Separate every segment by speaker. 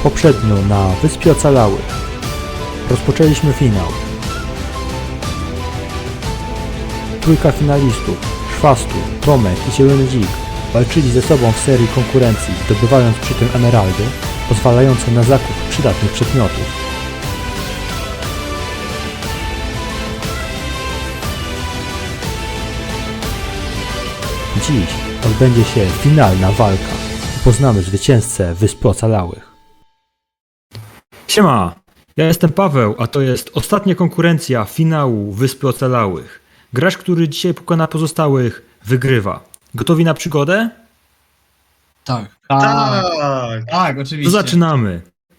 Speaker 1: Poprzednio na Wyspie Ocalałych rozpoczęliśmy finał. Trójka finalistów, Szwastu, Tomek i Zielony Dzik, walczyli ze sobą w serii konkurencji, zdobywając przy tym emeraldy, pozwalające na zakup przydatnych przedmiotów. Dziś odbędzie się finalna walka i poznamy zwycięzcę Wysp Ocalałych. Siema, ja jestem Paweł, a to jest ostatnia konkurencja finału Wyspy Ocalałych. Gracz, który dzisiaj pokona pozostałych, wygrywa. Gotowi na przygodę?
Speaker 2: Tak.
Speaker 3: Tak,
Speaker 1: To
Speaker 3: oczywiście.
Speaker 1: zaczynamy.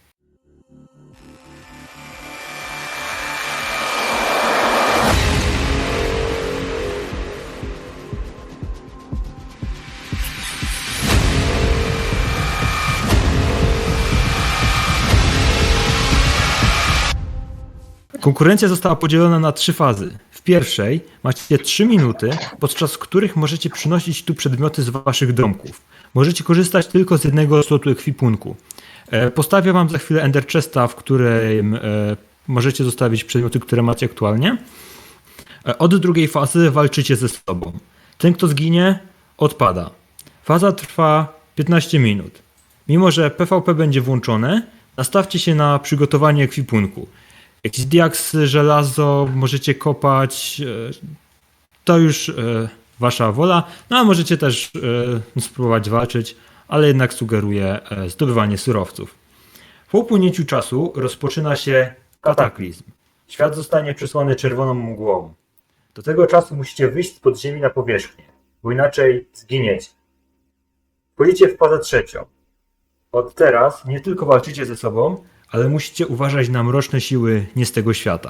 Speaker 1: Konkurencja została podzielona na 3 fazy. W pierwszej macie 3 minuty, podczas których możecie przynosić tu przedmioty z waszych domków. Możecie korzystać tylko z jednego slotu ekwipunku. Postawię wam za chwilę Ender Chesta, w którym możecie zostawić przedmioty, które macie aktualnie. Od drugiej fazy walczycie ze sobą. Ten, kto zginie, odpada. Faza trwa 15 minut. Mimo że PvP będzie włączone, nastawcie się na przygotowanie ekwipunku. Jakiś diaks, żelazo możecie kopać, to już wasza wola. No a możecie też spróbować walczyć, ale jednak sugeruję zdobywanie surowców. Po upłynięciu czasu rozpoczyna się kataklizm. Świat zostanie przesłany czerwoną mgłą. Do tego czasu musicie wyjść z podziemi na powierzchnię, bo inaczej zginiecie. Wchodzicie w fazę trzecią. Od teraz nie tylko walczycie ze sobą, ale musicie uważać na mroczne siły nie z tego świata.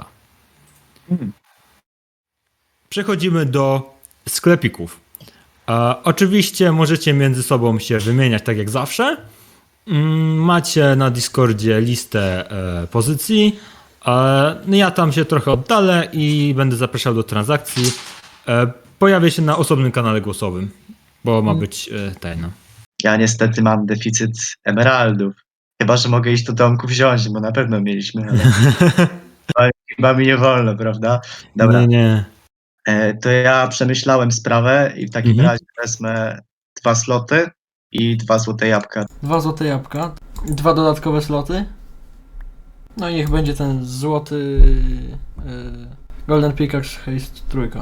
Speaker 1: Przechodzimy do sklepików. Oczywiście możecie między sobą się wymieniać tak jak zawsze. Macie na Discordzie listę pozycji. Ja tam się trochę oddalę i będę zapraszał do transakcji. Pojawię się na osobnym kanale głosowym, bo ma być tajna.
Speaker 2: Ja niestety mam deficyt emeraldów. Chyba, że mogę iść do domku wziąć, bo na pewno mieliśmy, ale chyba mi nie wolno, prawda? Dobra,
Speaker 1: Nie.
Speaker 2: to ja przemyślałem sprawę i w takim razie wezmę 2 sloty i 2 złote jabłka.
Speaker 4: 2 złote jabłka, 2 dodatkowe sloty. No i niech będzie ten złoty Golden Pickaxe Haste trójka.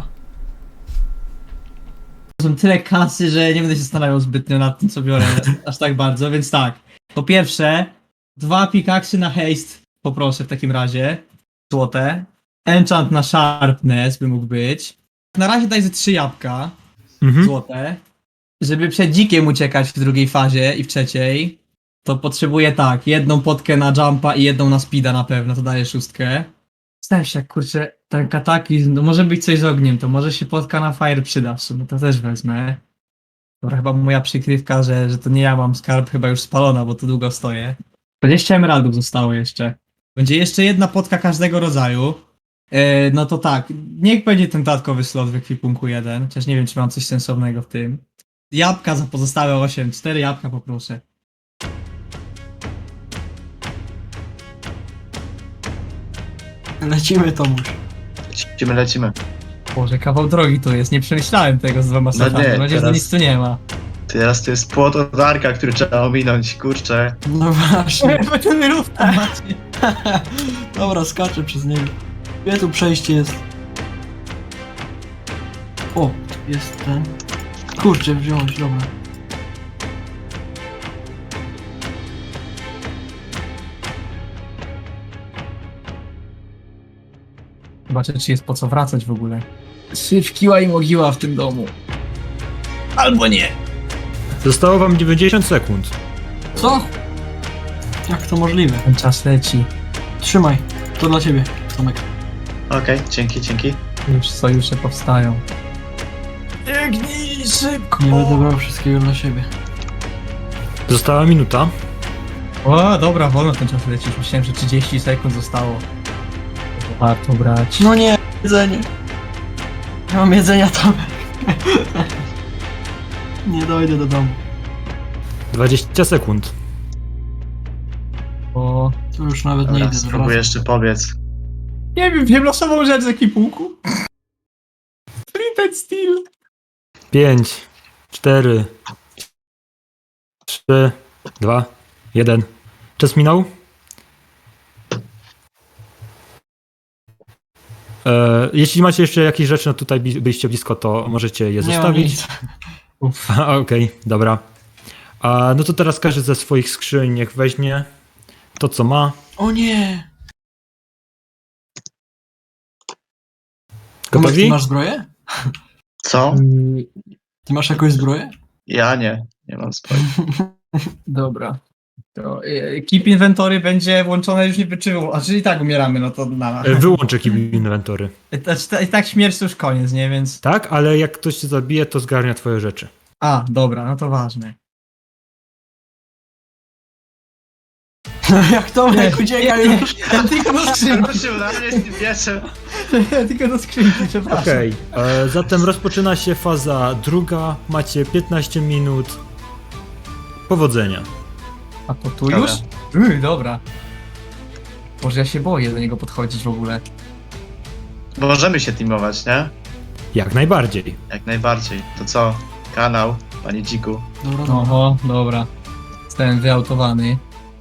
Speaker 3: To są tyle kasy, że nie będę się zastanawiał zbytnio nad tym, co biorę aż tak bardzo, więc tak. Po pierwsze, 2 pickaxy na haste poproszę w takim razie. Złote. Enchant na sharpness by mógł być. Na razie daj ze 3 jabłka złote. Żeby przed dzikiem uciekać w drugiej fazie i w trzeciej, to potrzebuję tak, 1 potkę na jumpa i 1 na speeda na pewno, to daje 6. Zastanawiam się, jak kurczę, ten kataklizm, no może być coś z ogniem, to może się potka na fire przyda w sumie, to też wezmę. Dobra, chyba moja przykrywka, że to nie ja mam skarb, chyba już spalona, bo tu długo stoję. 20 emeraldów zostało jeszcze. Będzie jeszcze 1 potka każdego rodzaju. No to tak, niech będzie ten dodatkowy slot w ekwipunku 1, chociaż nie wiem, czy mam coś sensownego w tym. Jabłka za pozostałe 8, 4 jabłka poproszę.
Speaker 4: Lecimy, Tomuś.
Speaker 2: Lecimy.
Speaker 3: Boże, kawał drogi to jest, nie przemyślałem tego z 2 slotami,
Speaker 2: nie,
Speaker 3: mam nadzieję, że
Speaker 2: teraz-
Speaker 3: nic tu nie ma.
Speaker 2: Teraz to jest płot od Arka, który trzeba ominąć, kurczę.
Speaker 4: No właśnie.
Speaker 3: Ten równo macie.
Speaker 4: Dobra, skaczę przez niego. Gdzie tu przejście jest? O, tu jest ten. Kurczę, wziąć, dobra.
Speaker 3: Zobaczę, czy jest po co wracać w ogóle. Syf kiła i mogiła w tym domu. Albo nie.
Speaker 1: Zostało wam 90 sekund.
Speaker 4: Co? Jak to możliwe?
Speaker 3: Ten czas leci.
Speaker 4: Trzymaj, to dla ciebie, Tomek.
Speaker 2: Okej, dzięki.
Speaker 3: Już sojusze powstają. Biegnij szybko!
Speaker 4: Nie będę brał wszystkiego dla siebie.
Speaker 1: Została minuta.
Speaker 3: O, dobra, wolno ten czas leci. Już myślałem, że 30 sekund zostało. Warto brać.
Speaker 4: No nie, jedzenie. Nie mam jedzenia, Tomek. Nie dojdę do domu.
Speaker 1: 20 sekund.
Speaker 3: O,
Speaker 4: To już nawet nie
Speaker 2: Dobra,
Speaker 4: idę
Speaker 2: spróbuję
Speaker 4: zobaczyć.
Speaker 2: jeszcze pobiec.
Speaker 3: nie wiem losową rzecz z ekipułku. Flip and Steel.
Speaker 1: 5, 4, 3, 2, 1. Czas minął? Jeśli macie jeszcze jakieś rzeczy, no tutaj byliście blisko, to możecie je
Speaker 4: Nie mam
Speaker 1: zostawić.
Speaker 4: nic.
Speaker 1: Okej, dobra. No to teraz każdy ze swoich skrzyń niech weźmie to, co ma.
Speaker 4: O nie! Ty
Speaker 1: Gotowi?
Speaker 4: masz zbroję?
Speaker 2: Co?
Speaker 4: Ty masz jakąś zbroję?
Speaker 2: Ja nie mam spojrzenia.
Speaker 3: Dobra. To keep inventory będzie włączone już nie wyczyło. A czyli i tak umieramy, no to na.
Speaker 1: Wyłączę keep inwentory.
Speaker 3: I tak śmierć to już koniec, nie? Więc.
Speaker 1: Tak, ale jak ktoś cię zabije, to zgarnia twoje rzeczy.
Speaker 3: A, dobra, no to ważne.
Speaker 4: Jak Tomek ucieka już.
Speaker 3: Ja tylko do skrzynki.
Speaker 2: Ruszył na mnie z tym mieczem.
Speaker 3: Ja tylko do skrzynki, przepraszam.
Speaker 1: Okej, zatem rozpoczyna się faza druga. Macie 15 minut. Powodzenia.
Speaker 3: A to tu
Speaker 2: Dobra.
Speaker 3: już? Dobra. Boże, ja się boję do niego podchodzić w ogóle.
Speaker 2: Możemy się teamować, nie?
Speaker 1: Jak najbardziej.
Speaker 2: Jak najbardziej. To co? Kanał, panie dziku.
Speaker 4: Dobra, dobra.
Speaker 3: Oho, dobra. Zostałem wyautowany.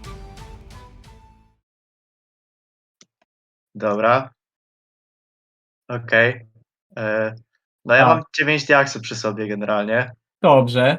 Speaker 2: Dobra. Okej. No ja
Speaker 3: Tak.
Speaker 2: mam 9 diaksów przy sobie generalnie.
Speaker 3: Dobrze.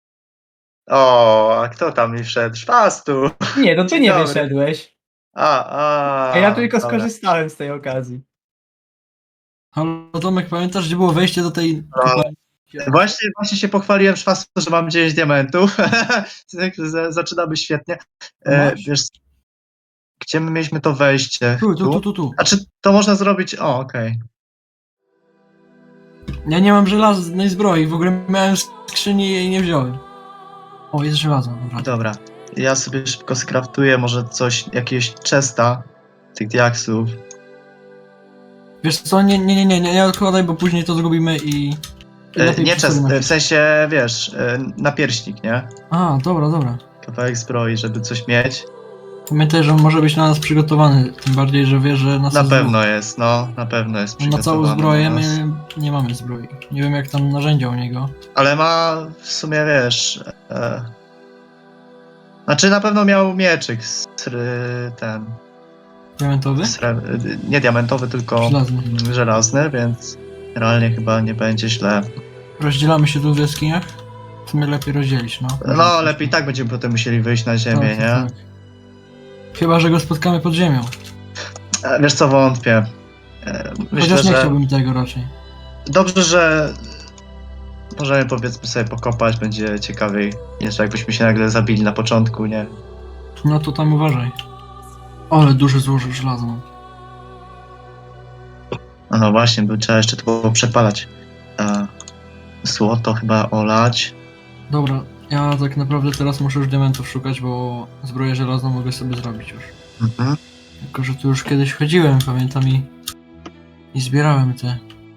Speaker 2: O, a kto tam mi wszedł? Szwastu!
Speaker 3: Nie, to ty
Speaker 2: Dzień
Speaker 3: nie
Speaker 2: dobry.
Speaker 3: wyszedłeś.
Speaker 2: A
Speaker 3: A ja tylko
Speaker 2: dobra.
Speaker 3: skorzystałem z tej okazji.
Speaker 4: Halo Tomek, pamiętasz gdzie było wejście do tej
Speaker 2: No.
Speaker 4: kopalni?
Speaker 2: Właśnie się pochwaliłem Szwastu, że mam 9 diamentów. Zaczynamy świetnie.
Speaker 4: Masz?
Speaker 2: Wiesz, gdzie my mieliśmy to wejście?
Speaker 4: Tu.
Speaker 2: A czy to można zrobić? O, okej.
Speaker 4: Ja nie mam żelaznej zbroi, w ogóle miałem w skrzyni i jej nie wziąłem. O, jest żelazo, dobra.
Speaker 2: Dobra. Ja sobie szybko skraftuję może coś, jakiegoś chesta tych diaksów.
Speaker 4: Wiesz co, nie odkładaj, bo później to zgubimy i lepiej
Speaker 2: Nie
Speaker 4: przy
Speaker 2: chest,
Speaker 4: sobie
Speaker 2: w sensie, wiesz, napierśnik, nie?
Speaker 4: A, dobra.
Speaker 2: Kawałek zbroi, żeby coś mieć.
Speaker 4: Pamiętaj, że on może być na nas przygotowany, tym bardziej, że wie, że nas
Speaker 2: Na
Speaker 4: jest
Speaker 2: pewno jest, no, na pewno jest
Speaker 4: dwóch. Na całą
Speaker 2: przygotowany
Speaker 4: zbroję
Speaker 2: na nas.
Speaker 4: my nie mamy zbroi. Nie wiem jak tam narzędzia u niego.
Speaker 2: Ale ma w sumie, wiesz... Znaczy na pewno miał mieczyk ten...
Speaker 4: Diamentowy?
Speaker 2: Nie diamentowy, tylko
Speaker 4: Żelazny.
Speaker 2: żelazny, więc realnie chyba nie będzie źle.
Speaker 4: Rozdzielamy się tu w jaskiniach? W sumie lepiej rozdzielić, no.
Speaker 2: No, lepiej tak będziemy potem musieli wyjść na ziemię, nie?
Speaker 4: Tak. Chyba, że go spotkamy pod ziemią.
Speaker 2: Wiesz co, wątpię. Myślę,
Speaker 4: Chociaż nie
Speaker 2: że
Speaker 4: chciałbym tego raczej.
Speaker 2: dobrze, że możemy powiedzmy sobie pokopać, będzie ciekawiej niż jakbyśmy się nagle zabili na początku, nie?
Speaker 4: No to tam uważaj. Ale duży złożył żelazo mam.
Speaker 2: No właśnie, by trzeba jeszcze to było przepalać. Złoto chyba olać.
Speaker 4: Dobra, ja tak naprawdę teraz muszę już diamentów szukać, bo zbroję żelazną mogę sobie zrobić już.
Speaker 2: Mhm.
Speaker 4: Tylko, że tu już kiedyś chodziłem, pamiętam i zbierałem te...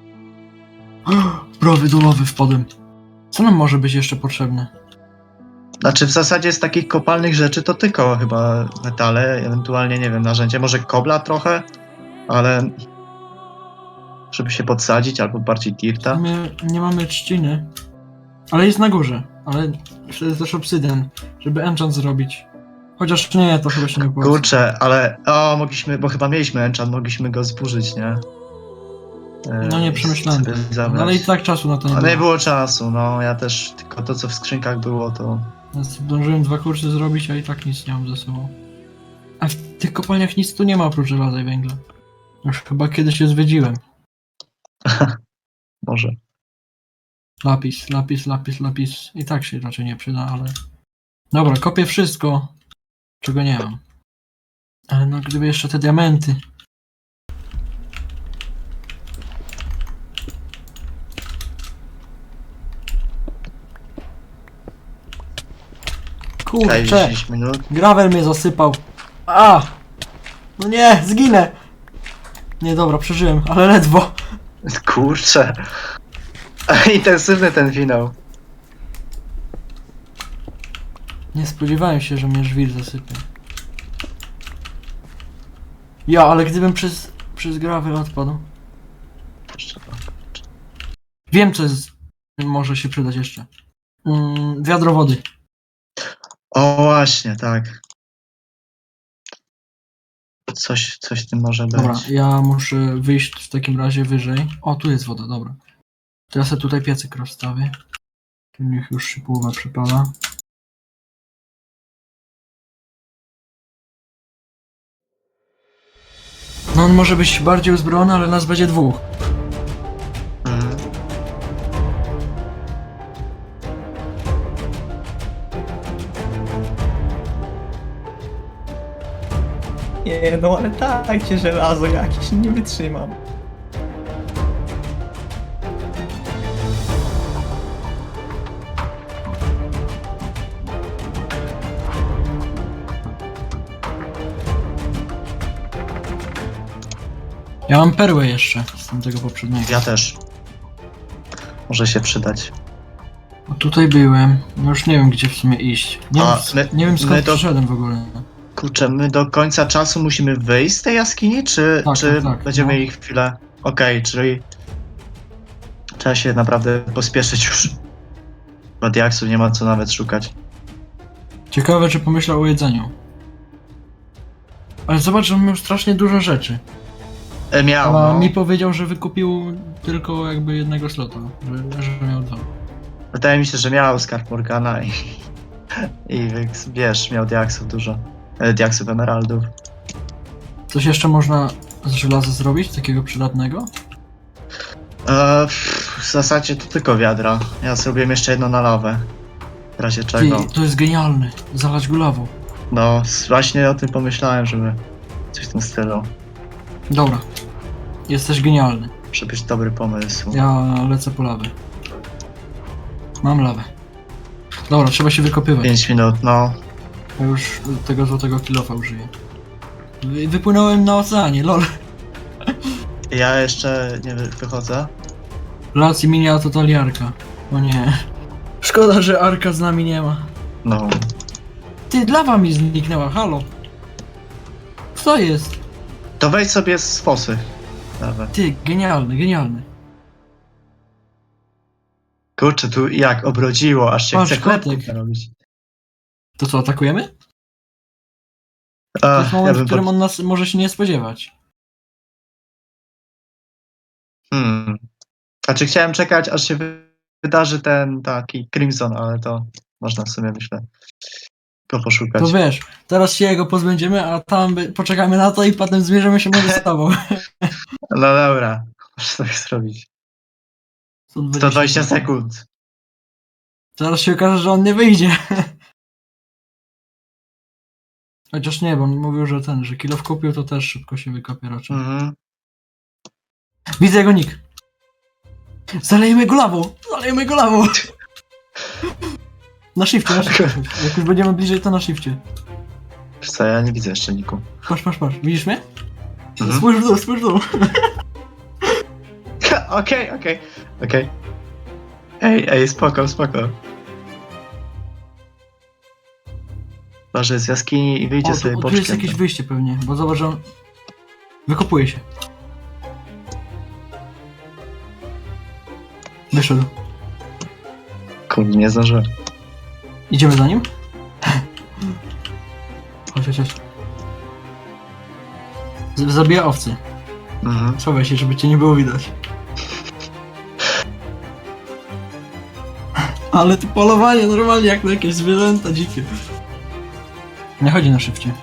Speaker 4: Browy do ławy wpadłem. Co nam może być jeszcze potrzebne?
Speaker 2: Znaczy w zasadzie z takich kopalnych rzeczy to tylko chyba metale, ewentualnie nie wiem, narzędzie, może kobla trochę, ale żeby się podsadzić albo bardziej
Speaker 4: W
Speaker 2: dirta.
Speaker 4: sumie nie mamy trzciny. Ale jest na górze. Ale to jest też obsydian, żeby enchant zrobić. Chociaż nie, to chyba się nie opłaca.
Speaker 2: Kurczę, ale mogliśmy, bo chyba mieliśmy enchant, mogliśmy go zburzyć, nie?
Speaker 4: No nie przemyślałem.
Speaker 2: Sobie zabrać.
Speaker 4: No ale i tak czasu na to nie
Speaker 2: Ale nie
Speaker 4: było.
Speaker 2: było czasu, no ja też tylko to co w skrzynkach było to...
Speaker 4: Ja zdążyłem 2 kursy zrobić, a i tak nic nie mam ze sobą. A w tych kopalniach nic tu nie ma oprócz żelaza i węgla. Już chyba kiedyś je zwiedziłem.
Speaker 2: Może.
Speaker 4: Lapis. I tak się raczej nie przyda, ale... Dobra, kopię wszystko, czego nie mam. Ale no gdyby jeszcze te diamenty.
Speaker 2: Czekaj,
Speaker 4: Kurczę,
Speaker 2: 10 minut.
Speaker 4: gravel mnie zasypał. A! No nie, zginę! Nie, dobra, przeżyłem, ale ledwo.
Speaker 2: Kurczę. Intensywny ten finał.
Speaker 4: Nie spodziewałem się, że mnie żwir zasypie. Ja, ale gdybym przez gravel odpadł.
Speaker 2: Jeszcze to.
Speaker 4: Wiem, co jest, może się przydać jeszcze. Wiadro wody.
Speaker 2: O właśnie, tak. Coś w tym może być.
Speaker 4: Dobra, ja muszę wyjść w takim razie wyżej. O, tu jest woda, dobra. To ja sobie tutaj piecyk rozstawię. Tu niech już się połowa przypala. No on może być bardziej uzbrojony, ale nas będzie dwóch.
Speaker 2: Mhm.
Speaker 3: Nie, no ale tak cię żelazo jakieś nie wytrzymam.
Speaker 4: Ja mam perłę jeszcze z tamtego poprzedniego.
Speaker 2: Ja też. Może się przydać.
Speaker 4: O, tutaj byłem. No już nie wiem, gdzie w sumie iść. Nie,
Speaker 2: A,
Speaker 4: wiem, nie wiem
Speaker 2: my
Speaker 4: skąd
Speaker 2: to-
Speaker 4: przyszedłem w ogóle.
Speaker 2: Kurczę, my do końca czasu musimy wyjść z tej jaskini, czy,
Speaker 4: Tak,
Speaker 2: czy
Speaker 4: tak,
Speaker 2: będziemy
Speaker 4: no.
Speaker 2: mieli chwilę? Okej, czyli trzeba się naprawdę pospieszyć już. Bo diaksów nie ma co nawet szukać.
Speaker 4: Ciekawe, czy pomyślał o jedzeniu. Ale zobacz, że on miał strasznie dużo rzeczy.
Speaker 2: Miał,
Speaker 4: A
Speaker 2: no.
Speaker 4: mi powiedział, że wykupił tylko jakby jednego slota. Że miał dwa.
Speaker 2: Wydaje mi się, że miał skarb Morgana i wiesz, miał diaksów dużo. Diaksów, emeraldów.
Speaker 4: Coś jeszcze można z żelaza zrobić, takiego przydatnego?
Speaker 2: W zasadzie to tylko wiadra. Ja zrobiłem jeszcze jedno na lawę. W razie czego.
Speaker 4: Ty, to jest genialne. Zalać go lawą.
Speaker 2: No, właśnie o tym pomyślałem, żeby coś w tym stylu.
Speaker 4: Dobra. Jesteś genialny.
Speaker 2: Może być dobry pomysł.
Speaker 4: Ja lecę po lawę. Mam lawę. Dobra, trzeba się wykopywać.
Speaker 2: 5 minut, no.
Speaker 4: Ja już tego złotego kilofa użyję. Wypłynąłem na oceanie, lol.
Speaker 2: Ja jeszcze nie wychodzę.
Speaker 4: Lacji minia totaliarka. O nie. Szkoda, że Arka z nami nie ma.
Speaker 2: No.
Speaker 4: Ty, lawa mi zniknęła, halo. Co jest?
Speaker 2: To wejdź sobie z fosy. Dobra.
Speaker 4: Ty, genialny, genialny.
Speaker 2: Kurczę, tu jak obrodziło, aż się
Speaker 4: Patrz,
Speaker 2: chce chleb
Speaker 4: kotek.
Speaker 2: robić.
Speaker 4: To co, atakujemy? To jest moment, w którym on nas może się nie spodziewać.
Speaker 2: Znaczy chciałem czekać, aż się wydarzy ten taki Crimson, ale to można w sumie, myślę, go poszukać.
Speaker 4: To wiesz, teraz się jego pozbędziemy, a tam poczekamy na to i potem zmierzymy się może z tobą.
Speaker 2: No dobra, muszę tak zrobić. 120 sekund.
Speaker 4: Zaraz się okaże, że on nie wyjdzie. Chociaż nie, bo on mówił, że że kilof kupił, to też szybko się wykopie raczej.
Speaker 2: Mhm.
Speaker 4: Widzę jego nick. Zalejmy go lawą! Zalejmy go lawą! Na shifcie, na shifcie. Jak już będziemy bliżej, to na shifcie.
Speaker 2: Wiesz co, ja nie widzę jeszcze niku.
Speaker 4: Patrz, patrz, patrz. Widzisz mnie?
Speaker 2: Mhm.
Speaker 4: Spójrz w dół, spójrz w dół.
Speaker 2: Okej. Ej, spoko. Może z jaskini i wyjdzie sobie
Speaker 4: Tu
Speaker 2: boczkiem.
Speaker 4: jest jakieś wyjście pewnie, bo zobacz, że on wykopuje się. Wyszedł.
Speaker 2: Kurde, nie zdążyłem.
Speaker 4: Idziemy za nim? Chodź. Zabija owcy.
Speaker 2: Mhm.
Speaker 4: Schowaj się, żeby cię nie było widać. Ale ty polowanie normalnie jak na jakieś zwierzęta dzikie. Nie chodzi na szybcie.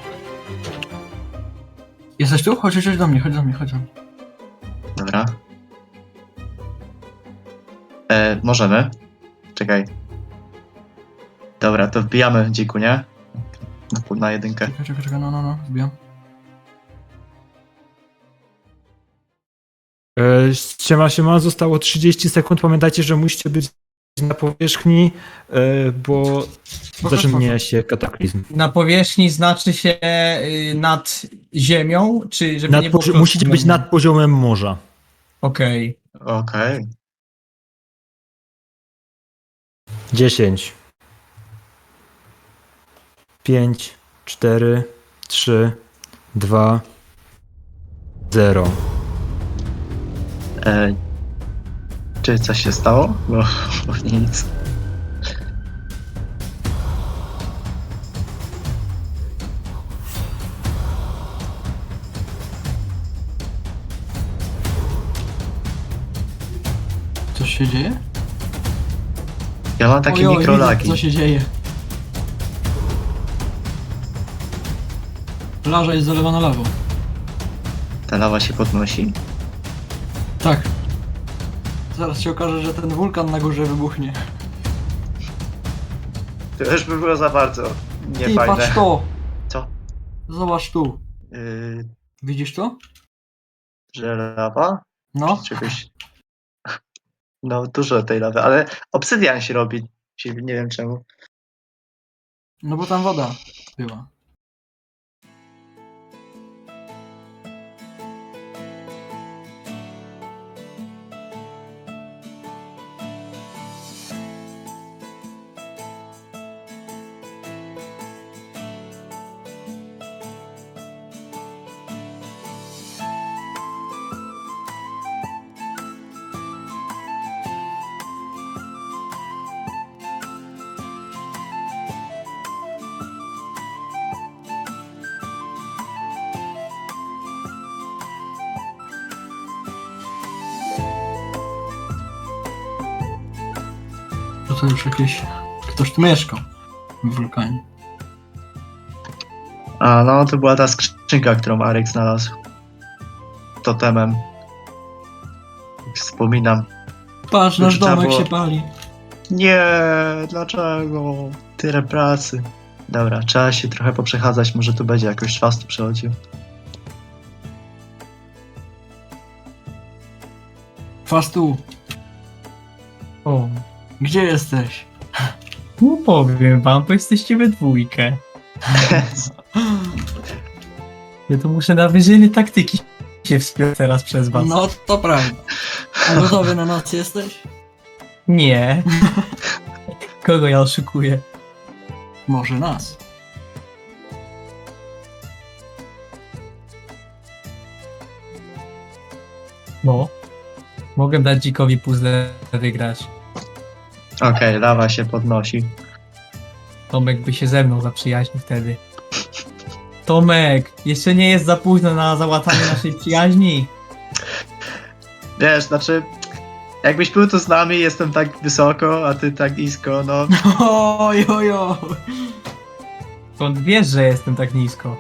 Speaker 4: Jesteś tu? Chodź do mnie, chodź do mnie.
Speaker 2: Dobra. Możemy. Czekaj. Dobra, to wbijamy dziku, nie? Na jedynkę.
Speaker 4: Czekaj, no, wbijam.
Speaker 1: Siema, zostało 30 sekund. Pamiętajcie, że musicie być na powierzchni, bo zaczyna się kataklizm.
Speaker 3: Na powierzchni znaczy się nad ziemią, czy żeby nie było
Speaker 1: Musicie być nad poziomem morza.
Speaker 3: Okej.
Speaker 2: Okej.
Speaker 1: 10, 5, 4, 3, 2, 0.
Speaker 2: Czy coś się stało? Bo nic.
Speaker 4: Coś się dzieje?
Speaker 2: Ja mam takie
Speaker 4: Ojoj,
Speaker 2: mikrolagi.
Speaker 4: widzę, co się dzieje. Plaża jest zalewana lawą.
Speaker 2: Ta lawa się podnosi.
Speaker 4: Tak. Zaraz się okaże, że ten wulkan na górze wybuchnie.
Speaker 2: To już by było za bardzo
Speaker 4: Ty,
Speaker 2: niefajne.
Speaker 4: patrz to!
Speaker 2: Co?
Speaker 4: Zobacz tu.
Speaker 2: Yy,
Speaker 4: Widzisz to?
Speaker 2: że lawa?
Speaker 4: No.
Speaker 2: Czegoś... No, dużo tej lawy, ale obsydian się robi. Nie wiem czemu.
Speaker 4: No bo tam woda była. To już jakieś... Ktoś tu mieszkał w wulkanie.
Speaker 2: A no, to była ta skrzynka, którą Arek znalazł. Totemem. Jak wspominam.
Speaker 4: Patrz, nasz
Speaker 2: Trzeba
Speaker 4: domek
Speaker 2: było-
Speaker 4: się pali.
Speaker 2: Nie, dlaczego? Tyle pracy. Dobra, trzeba się trochę poprzechadzać, może tu będzie jakoś czas tu przechodził.
Speaker 4: Fastu,
Speaker 3: O,
Speaker 4: gdzie jesteś?
Speaker 3: no powiem wam, bo jesteście we dwójkę. Ja to muszę na wyżyny taktyki się wspiąć teraz przez was.
Speaker 4: No, to prawda. A gotowy na noc jesteś?
Speaker 3: Nie. Kogo ja oszukuję?
Speaker 4: Może nas.
Speaker 3: No. Mogę dać dzikowi puzzle wygrać.
Speaker 2: Okej, lawa się podnosi.
Speaker 3: Tomek by się ze mną zaprzyjaźnił wtedy. Tomek, jeszcze nie jest za późno na załatanie naszej przyjaźni.
Speaker 2: Wiesz, znaczy, jakbyś był tu z nami, jestem tak wysoko, a ty tak nisko, no.
Speaker 4: Oj, oj, oj.
Speaker 3: Skąd wiesz, że jestem tak nisko?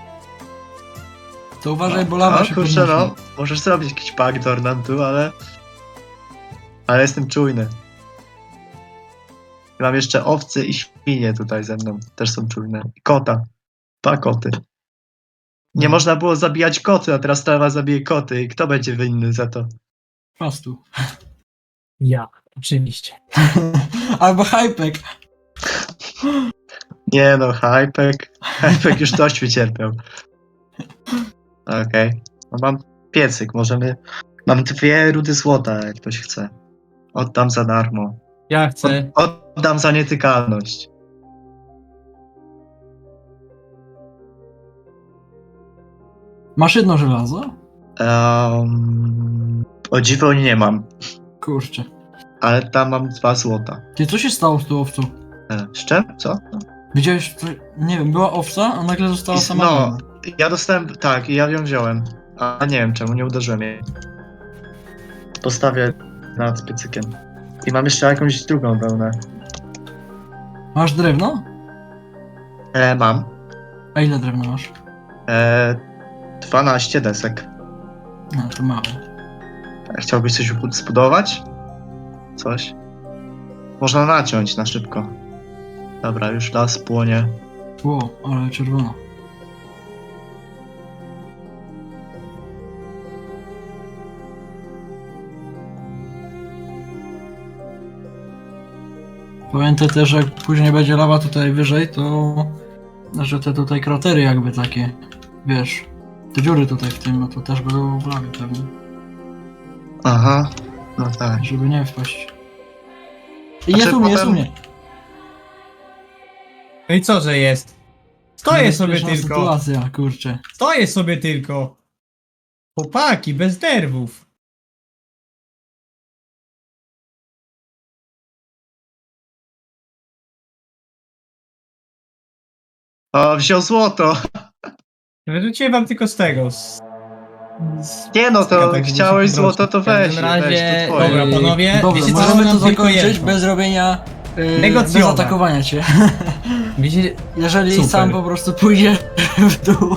Speaker 4: To uważaj, bo lawa się
Speaker 2: kurczę,
Speaker 4: podnosi.
Speaker 2: no, możesz zrobić jakiś backdoor nam tu, ale... Ale jestem czujny. Mam jeszcze owce i świnie tutaj ze mną, też są czujne. I kota. 2 koty. Nie można było zabijać koty, a teraz trawa zabije koty. I kto będzie winny za to?
Speaker 4: Fastu.
Speaker 3: Ja, oczywiście.
Speaker 4: Albo Hypek.
Speaker 2: Nie no, Hypek. Hypek już dość wycierpiał. Okej. No mam piecyk, możemy... Mam 2 rudy złota, jak ktoś chce. Oddam za darmo.
Speaker 3: Ja chcę.
Speaker 2: Oddam za nietykalność.
Speaker 4: Masz jedno żelazo?
Speaker 2: O dziwo nie mam,
Speaker 4: Kurczę.
Speaker 2: ale tam mam 2 złota.
Speaker 4: Ty, co się stało z tą owcą?
Speaker 2: Z czym? Co?
Speaker 4: Widziałeś, co... nie wiem, była owca, a nagle została sama.
Speaker 2: No, ja dostałem, tak, i ja ją wziąłem. A nie wiem czemu, nie uderzyłem jej. Postawię nad piecykiem. I mam jeszcze jakąś drugą wełnę.
Speaker 4: Masz drewno?
Speaker 2: Mam.
Speaker 4: A ile drewna masz?
Speaker 2: 12 desek.
Speaker 4: No, to mało.
Speaker 2: Chciałbyś coś zbudować? Coś? Można naciąć na szybko. Dobra, już las płonie.
Speaker 4: Ło, ale czerwono. Pamiętaj też, że jak później będzie lawa tutaj wyżej, to... Że te tutaj kratery jakby takie, wiesz, te dziury tutaj w tym, no to też będą w lawie pewnie,
Speaker 2: Aha, no tak.
Speaker 4: żeby nie wpaść. I
Speaker 2: Znaczy,
Speaker 4: jest u mnie, jest u
Speaker 2: potem-
Speaker 4: mnie.
Speaker 3: No i co, że jest? Stoję sobie
Speaker 4: Niebezpieczna
Speaker 3: tylko.
Speaker 4: sytuacja, kurczę.
Speaker 3: Stoję sobie tylko. Chłopaki, bez nerwów.
Speaker 2: O, wziął złoto.
Speaker 3: Wyrzuciłem wam tylko z tego.
Speaker 2: Nie no, to
Speaker 3: Tak,
Speaker 2: chciałeś
Speaker 3: żeby
Speaker 2: złoto, to
Speaker 3: w każdym
Speaker 2: weź,
Speaker 3: razie,
Speaker 2: weź, to twoje.
Speaker 3: dobra, panowie,
Speaker 4: Dobrze,
Speaker 3: wiecie co,
Speaker 4: możemy
Speaker 3: mam
Speaker 4: to
Speaker 3: tylko
Speaker 4: zakończyć
Speaker 3: jedno.
Speaker 4: bez robienia... bez
Speaker 3: Negocjować.
Speaker 4: atakowania cię.
Speaker 3: Wiecie,
Speaker 4: Jeżeli
Speaker 3: Super.
Speaker 4: sam po prostu pójdzie w dół.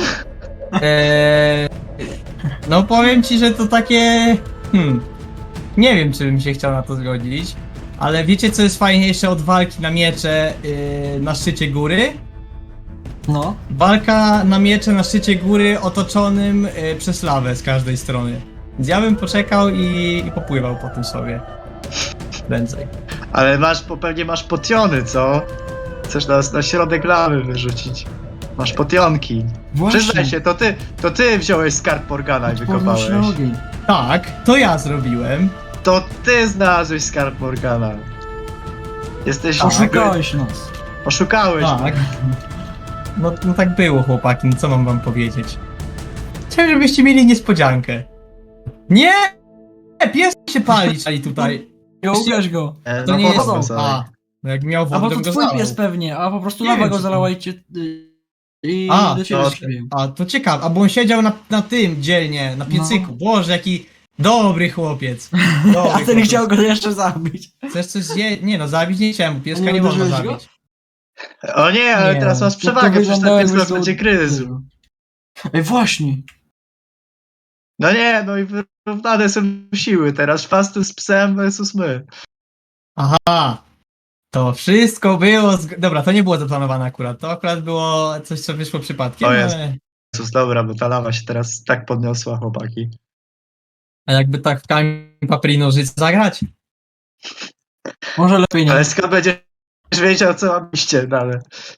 Speaker 3: no powiem ci, że to takie... nie wiem, czy bym się chciał na to zgodzić, ale wiecie, co jest fajniejsze od walki na miecze na szczycie góry?
Speaker 4: No.
Speaker 3: Walka na miecze na szczycie góry otoczonym przez lawę z każdej strony. Więc ja bym poczekał i popływał po tym sobie. Prędzej.
Speaker 2: Ale pewnie masz potiony, co? Chcesz nas na środek lawy wyrzucić. Masz potionki. Przyznaj się, to ty wziąłeś skarb Morgana i wykopałeś.
Speaker 4: na ogień.
Speaker 3: Tak, to ja zrobiłem.
Speaker 2: To ty znalazłeś skarb Morgana. Jesteś...
Speaker 4: Oszukałeś nas.
Speaker 2: Oszukałeś.
Speaker 3: Tak. No tak było, chłopaki, no co mam wam powiedzieć? Chciałem, żebyście mieli niespodziankę. Nie! Pies się pali tutaj.
Speaker 4: Nie ugasz go.
Speaker 3: To
Speaker 2: No
Speaker 3: nie jest...
Speaker 2: wodą sobie.
Speaker 3: No jak miał
Speaker 4: A
Speaker 3: wodę,
Speaker 4: bo
Speaker 3: to
Speaker 4: to
Speaker 3: bym go
Speaker 4: twój
Speaker 3: zalał.
Speaker 4: pies pewnie, a po prostu
Speaker 3: Nie
Speaker 4: lawa
Speaker 3: wiem,
Speaker 4: go
Speaker 3: czy to-
Speaker 4: zalała i
Speaker 3: A,
Speaker 4: do ciebie
Speaker 2: to-
Speaker 4: skrzywił.
Speaker 3: A, to ciekawe, a bo on siedział na tym dzielnie, na piecyku.
Speaker 4: No.
Speaker 3: Boże, jaki dobry chłopiec. Dobry
Speaker 4: A ten
Speaker 3: chłopiec.
Speaker 4: chciał go jeszcze zabić.
Speaker 3: Chcesz coś zjeść? Nie no, zabić nie chciałem, bo pieska
Speaker 4: A nie
Speaker 3: nie można
Speaker 4: uderzyłeś go?
Speaker 3: zabić.
Speaker 2: O nie, ale
Speaker 3: Nie.
Speaker 2: teraz masz
Speaker 4: To
Speaker 2: przewagę, przecież ten
Speaker 4: wyglądało,
Speaker 2: pies
Speaker 4: jakby
Speaker 2: nas
Speaker 4: to-
Speaker 2: będzie gryzł.
Speaker 4: Ej, właśnie.
Speaker 2: No nie, no i wyrównane są siły teraz. Fastu z psem versus my.
Speaker 3: Aha, to wszystko było... Dobra, to nie było zaplanowane akurat, to akurat było coś, co wyszło przypadkiem,
Speaker 2: O jest.
Speaker 3: ale...
Speaker 2: Jezus, dobra, bo ta lawa się teraz tak podniosła, chłopaki.
Speaker 3: A jakby tak w kamień papier i nożyce zagrać?
Speaker 4: Może lepiej nie.
Speaker 2: Ale skąd będziesz wiedział, co robiście dalej?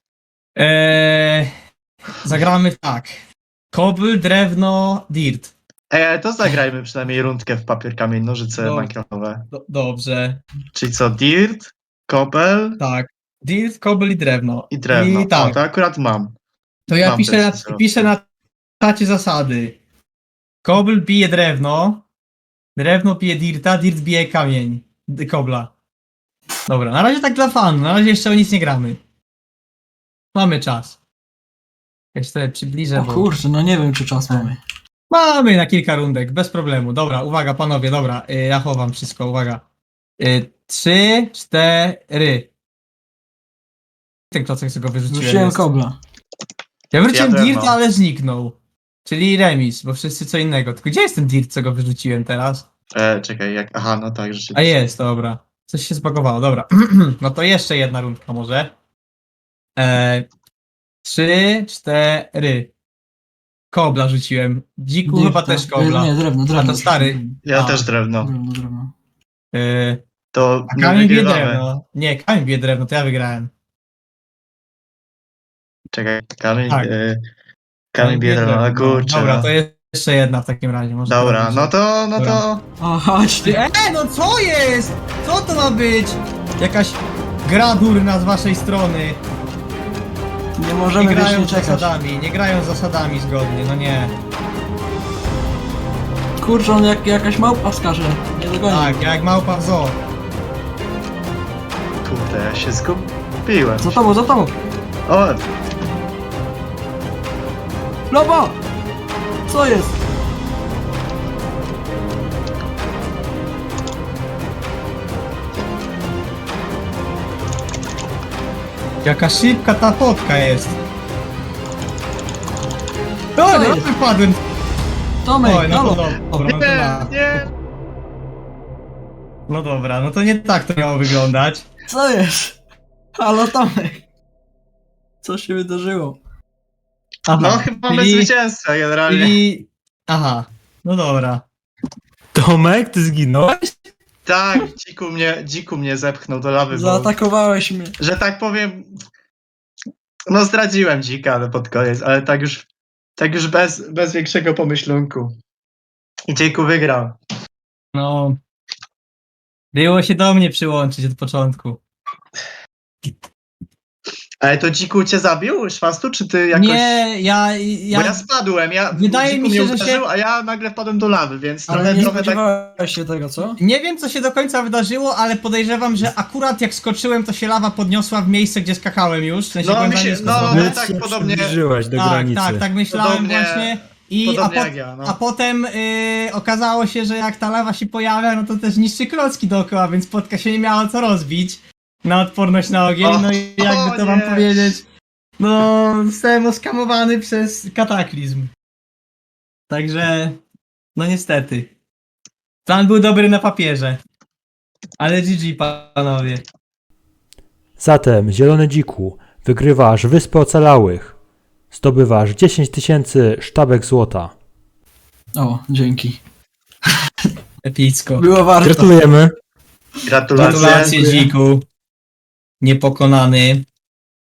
Speaker 3: Zagramy tak. Kobyl, drewno, dirt.
Speaker 2: Ej, ale to zagrajmy przynajmniej rundkę w papier, kamień, nożyce
Speaker 3: No.
Speaker 2: minecraftowe.
Speaker 3: Dobrze,
Speaker 2: Czyli co, dirt, kobel
Speaker 3: tak. Dirt, kobyl i drewno.
Speaker 2: i drewno.
Speaker 3: I tak,
Speaker 2: O, to akurat mam.
Speaker 3: to ja
Speaker 2: mam
Speaker 3: piszę
Speaker 2: też
Speaker 3: na,
Speaker 2: wzrost.
Speaker 3: piszę na czacie zasady. Kobyl bije drewno, drewno bije dirta, dirt bije kamień. Kobla. Dobra, na razie tak dla fanu, na razie jeszcze o nic nie gramy. Mamy czas. Ja się sobie przybliżę,
Speaker 4: O
Speaker 3: bo...
Speaker 4: kurczę, no nie wiem czy czas mamy.
Speaker 3: Mamy na kilka rundek, bez problemu. Dobra, uwaga panowie, dobra, ja chowam wszystko, uwaga. 3, 4. Ten klocek, co go wyrzuciłem.
Speaker 4: Rzuciłem
Speaker 3: jest.
Speaker 4: kobla.
Speaker 3: Ja wróciłem
Speaker 2: Ja
Speaker 3: dirt,
Speaker 2: drewno.
Speaker 3: ale zniknął. Czyli remis, bo wszyscy co innego. Tylko gdzie jest ten dirt, co go wyrzuciłem teraz?
Speaker 2: Czekaj, jak... Aha, no tak,
Speaker 3: A
Speaker 2: rzeczywiście.
Speaker 3: jest, dobra. Coś się zbagowało, dobra. No to jeszcze jedna rundka może. 3, 4. Kobla rzuciłem. Dziku chyba
Speaker 4: Dirta.
Speaker 3: też kobla.
Speaker 4: Nie, drewno, drewno.
Speaker 3: to stary.
Speaker 4: rzuciłem.
Speaker 2: Ja
Speaker 3: A.
Speaker 2: też drewno.
Speaker 4: Drewno.
Speaker 2: To
Speaker 3: A
Speaker 2: my
Speaker 3: kamień bije
Speaker 2: wygrywamy.
Speaker 3: drewno. Nie, kamień bije drewno, to ja wygrałem.
Speaker 2: Czekaj, kamień...
Speaker 3: Tak.
Speaker 2: Kamień bije drewno, ale kurczę.
Speaker 3: Dobra,
Speaker 2: no.
Speaker 3: to jeszcze jedna w takim razie. Może
Speaker 2: Dobra,
Speaker 3: zrobić.
Speaker 2: no to...
Speaker 3: Dobra.
Speaker 4: O, chodź ty.
Speaker 3: No co jest? Co to ma być? Jakaś gra durna z waszej strony.
Speaker 4: Nie
Speaker 3: Nie
Speaker 4: możemy
Speaker 3: grają
Speaker 4: wiecznie
Speaker 3: z
Speaker 4: czekać.
Speaker 3: zasadami, nie grają z zasadami zgodnie, no nie.
Speaker 4: Kurczę, on jak jakaś małpa skaże. Nie dogoni.
Speaker 3: Tak, jak małpa w zoo.
Speaker 2: Kurde, ja się zgubiłem.
Speaker 4: Za tobą, za tobą.
Speaker 2: O,
Speaker 4: Lobo! Co jest?
Speaker 3: Jaka szybka ta fotka jest. O, no
Speaker 4: jest?
Speaker 3: wypadłem.
Speaker 4: Tomek,
Speaker 3: Oj, no
Speaker 4: halo.
Speaker 3: to dobra, no to
Speaker 2: nie,
Speaker 3: na.
Speaker 2: nie.
Speaker 3: No dobra, no to nie tak to miało wyglądać.
Speaker 4: Co jest? Halo Tomek. Co się wydarzyło?
Speaker 3: Aha,
Speaker 2: No chyba mamy zwycięzcę generalnie.
Speaker 3: czyli... Aha, no dobra.
Speaker 1: Tomek, ty zginąłeś?
Speaker 2: Tak, dziku mnie zepchnął do lawy, bo,
Speaker 4: Zaatakowałeś mnie.
Speaker 2: że tak powiem, no zdradziłem dzika ale pod koniec, ale tak już bez większego pomyślunku. I dziku wygrał.
Speaker 3: No... Było się do mnie przyłączyć od początku.
Speaker 2: Ale to dziku cię zabił, Szwastu, czy ty jakoś...
Speaker 3: Nie,
Speaker 2: Bo ja spadłem,
Speaker 3: Wydaje
Speaker 2: dziku
Speaker 3: mi się,
Speaker 2: mnie
Speaker 3: że się-
Speaker 2: uderzył, a ja nagle wpadłem do lawy, więc
Speaker 4: Ale nie
Speaker 2: trochę tak...
Speaker 4: spodziewałeś się tego, co?
Speaker 3: nie wiem, co się do końca wydarzyło, ale podejrzewam, że akurat jak skoczyłem, to się lawa podniosła w miejsce, gdzie skakałem już. W sensie
Speaker 2: No,
Speaker 3: byłem
Speaker 2: mi
Speaker 3: za
Speaker 2: się-
Speaker 3: nisko
Speaker 2: no,
Speaker 3: spadłem.
Speaker 2: no, tak
Speaker 1: się
Speaker 2: podobnie-
Speaker 1: przybliżyłeś do
Speaker 3: tak,
Speaker 1: granicy.
Speaker 3: tak myślałem
Speaker 2: Podobnie-
Speaker 3: właśnie.
Speaker 2: podobnie jak ja, no.
Speaker 3: A potem okazało się, że jak ta lawa się pojawia, no to też niszczy klocki dookoła, więc spotka się nie miała co rozbić na odporność na ogień.
Speaker 2: O,
Speaker 3: No i jakby to wam
Speaker 2: nie.
Speaker 3: powiedzieć, no zostałem oskamowany przez kataklizm. Także, no niestety. Plan był dobry na papierze. Ale GG, panowie.
Speaker 1: Zatem, Zielony Dziku, wygrywasz Wyspę Ocalałych. Zdobywasz 10 000 sztabek złota.
Speaker 4: O, dzięki.
Speaker 3: Epicko.
Speaker 4: Było warto.
Speaker 1: Gratulujemy.
Speaker 2: Gratulacje.
Speaker 3: Gratulacje,
Speaker 4: Dziękuję.
Speaker 3: Dziku. Niepokonany.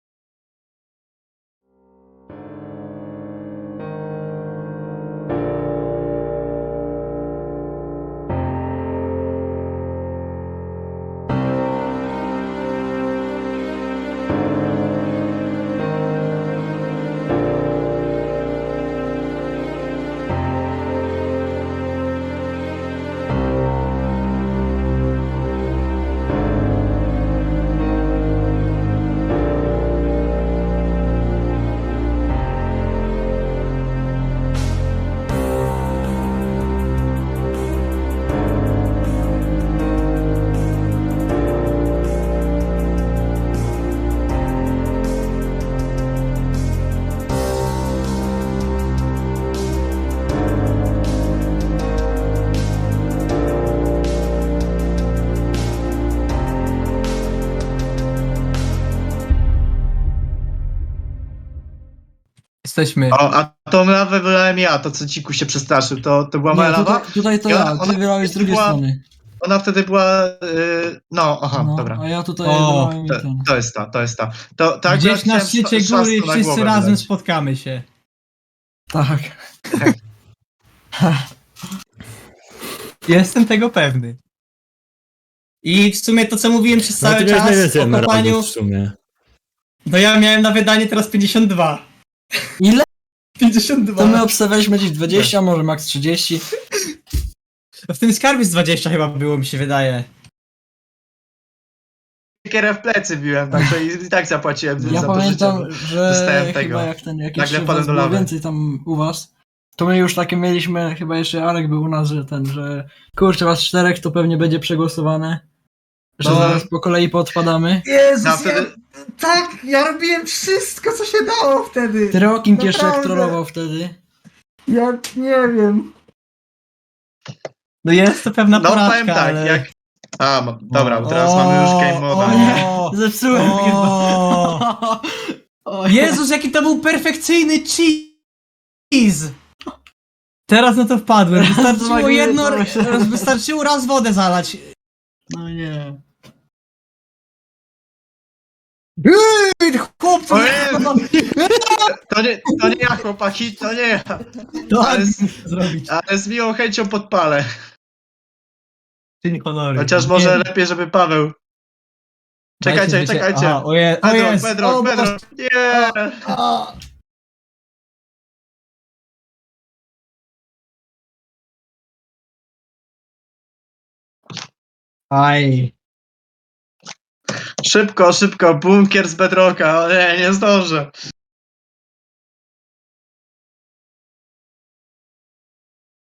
Speaker 3: Jesteśmy.
Speaker 2: O, a tą lawę wylałem ja, to co dziku się przestraszył, to była moja
Speaker 4: Nie,
Speaker 2: lawa?
Speaker 4: tutaj to
Speaker 2: I
Speaker 4: ja,
Speaker 2: ona-
Speaker 4: ty wylałeś z drugiej
Speaker 2: była-
Speaker 4: strony.
Speaker 2: Ona wtedy była... no, aha,
Speaker 4: No,
Speaker 2: dobra.
Speaker 4: a ja tutaj
Speaker 3: O,
Speaker 4: wylałem i
Speaker 2: To,
Speaker 4: ten.
Speaker 2: to jest ta, to jest ta. To tak
Speaker 3: Gdzieś na szczycie góry wszyscy razem spotkamy się.
Speaker 4: Tak.
Speaker 3: Jestem tego pewny. I w sumie to, co mówiłem przez cały czas o kopaniu,
Speaker 1: w sumie.
Speaker 3: no ja miałem na wydanie teraz 52.
Speaker 4: Ile?
Speaker 3: 52.
Speaker 4: To my obstawialiśmy gdzieś 20, może max 30.
Speaker 3: W tym skarbie z 20 chyba było, mi się wydaje.
Speaker 2: Kierę w plecy biłem, także i tak zapłaciłem
Speaker 4: Ja
Speaker 2: za
Speaker 4: pamiętam,
Speaker 2: to życie.
Speaker 4: że
Speaker 2: dostałem
Speaker 4: chyba
Speaker 2: tego.
Speaker 4: jak ten jakiś
Speaker 2: Nagle
Speaker 4: was
Speaker 2: wpadłem do
Speaker 4: było
Speaker 2: lawy.
Speaker 4: więcej tam u was, to my już takie mieliśmy, chyba jeszcze Arek był u nas, że kurczę, was 4 to pewnie będzie przegłosowane. Że
Speaker 2: No.
Speaker 4: zaraz po kolei podpadamy.
Speaker 3: Jezus,
Speaker 2: No, wtedy-
Speaker 3: tak, ja robiłem wszystko, co się dało wtedy.
Speaker 4: Trocking jeszcze jak
Speaker 3: Naprawdę.
Speaker 4: trollował wtedy.
Speaker 3: Ja nie wiem. No jest to pewna
Speaker 2: No
Speaker 3: porażka,
Speaker 2: powiem tak,
Speaker 3: ale...
Speaker 2: jak... A, dobra, bo teraz mamy już game moda, nie?
Speaker 4: Zepsułem chyba.
Speaker 3: O, Jezus, jaki to był perfekcyjny cheese! Teraz na to wpadłem. Wystarczyło raz wodę zalać.
Speaker 4: No nie.
Speaker 3: Chłopcu,
Speaker 2: Ojej! To nie ja, chłopaki, to nie ja.
Speaker 3: to
Speaker 2: Ale
Speaker 3: zrobić.
Speaker 2: Ale z miłą chęcią podpalę.
Speaker 3: Czyń honoru.
Speaker 2: Chociaż może lepiej, żeby Paweł... Czekajcie.
Speaker 3: Aha, o jest.
Speaker 2: Pedro,
Speaker 3: O,
Speaker 2: Pedro. Nie!
Speaker 3: A. Aj.
Speaker 2: Szybko, bunkier z bedrocka. O nie zdążę.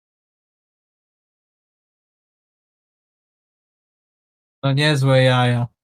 Speaker 3: No niezłe jaja.